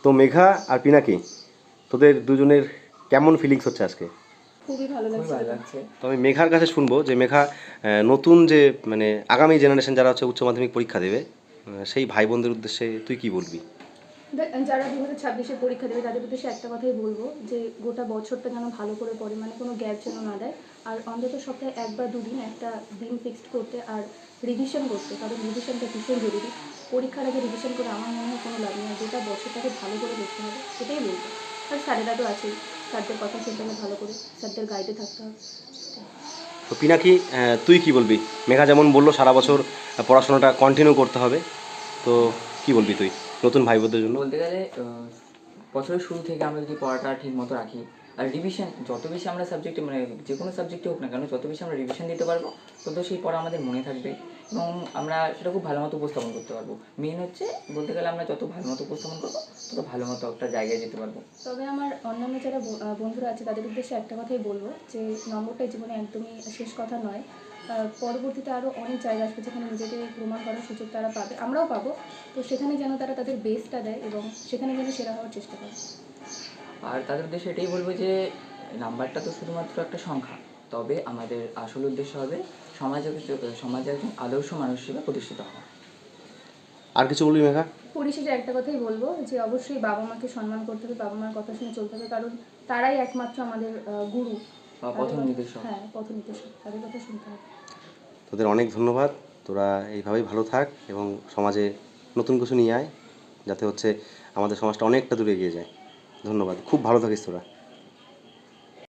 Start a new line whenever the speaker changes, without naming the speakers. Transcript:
তো মেঘা আর পিনাকি, তোদের দুজনের কেমন ফিলিংস হচ্ছে আজকে?
খুবই ভালো লাগছে।
তো আমি মেঘার কাছে শুনবো যে মেঘা, নতুন যে মানে আগামী জেনারেশন যারা হচ্ছে উচ্চ মাধ্যমিক পরীক্ষা দেবে, সেই ভাই বোনদের উদ্দেশ্যে তুই কি বলবি?
যারা 2026-এ পরীক্ষা দেবে তাদের উদ্দেশ্যে একটা কথাই বলবো যে গোটা বছরটা যেন ভালো করে পড়ে, মানে কোনো গ্যাপ যেন না দেয়। আর অন্তত সপ্তাহে 1 বা 2 দিন একটা দিন ফিক্সড করতে আর রিভিশন করতে, কারণ রিভিশনটা ভীষণ জরুরি। পরীক্ষার আগে রিভিশন করে আমার মনে হয় কোনো লাভ নেই। গোটা বছরটাকে ভালো করে দেখতে হবে, এটাই বলবো। আর স্যারেরা তো আছেই, স্যারদের কথা শুনতে হবে ভালো করে, স্যারদের গাইডে থাকতে হবে।
তো পিনাকি, তুই কি বলবি? মেঘা যেমন বললো সারা বছর পড়াশোনাটা কন্টিনিউ করতে হবে, তো কি বলবি তুই নতুন ভাই বোনদের জন্য?
বলতে গেলে বছরের শুরু থেকে আমরা যদি পড়াটা ঠিক মতো রাখি আর রিভিশন যত বেশি আমরা সাবজেক্টে, মানে যে কোনো সাবজেক্টে হোক না কেন, যত বেশি আমরা রিভিশন দিতে পারবো তত সেই পড়া আমাদের মনে থাকবে এবং আমরা সেটা খুব ভালো মতো উপস্থাপন করতে পারবো। মেন হচ্ছে বলতে গেলে আমরা যত ভালো মতো উপস্থাপন করবো তত ভালো মতো একটা জায়গায় যেতে পারবো।
তবে আমার অন্যান্য যারা বন্ধুরা আছে তাদের উদ্দেশ্যে একটা কথাই বলবো যে নম্বরটাই জীবনে একদমই শেষ কথা নয়। পরবর্তীতে আরও অনেক জায়গা আসবে যেখানে নিজেকে প্রমাণ করার সুযোগ তারা পাবে, আমরাও পাবো। তো সেখানে যেন তারা তাদের বেস্টটা দেয় এবং সেখানে যেন সেরা হওয়ার চেষ্টা করে।
আর তাদের উদ্দেশ্যে এটাই বলবো যে নাম্বারটা তো শুধুমাত্র একটা সংখ্যা, তবে আমাদের আসল উদ্দেশ্য হবে সমাজে একজন আদর্শ মানুষ হিসেবে প্রতিষ্ঠিত হওয়া।
আর কিছু বলবি মেঘা?
পরিশেষে একটা কথাই বলবো যে অবশ্যই বাবা মাকে সম্মান করতে হবে, বাবা মার কথা শুনে চলতে হবে, কারণ তারাই একমাত্র আমাদের গুরু
বা পথ নির্দেশক।
হ্যাঁ, পথ নির্দেশক, তাদের কথা শুনতে হবে।
তোদের অনেক ধন্যবাদ। তোরা এইভাবেই ভালো থাক এবং সমাজে নতুন কিছু নিয়ে আয়, যাতে হচ্ছে আমাদের সমাজটা অনেকটা দূরে এগিয়ে যায়। ধন্যবাদ, খুব ভালো থাকিস তোরা।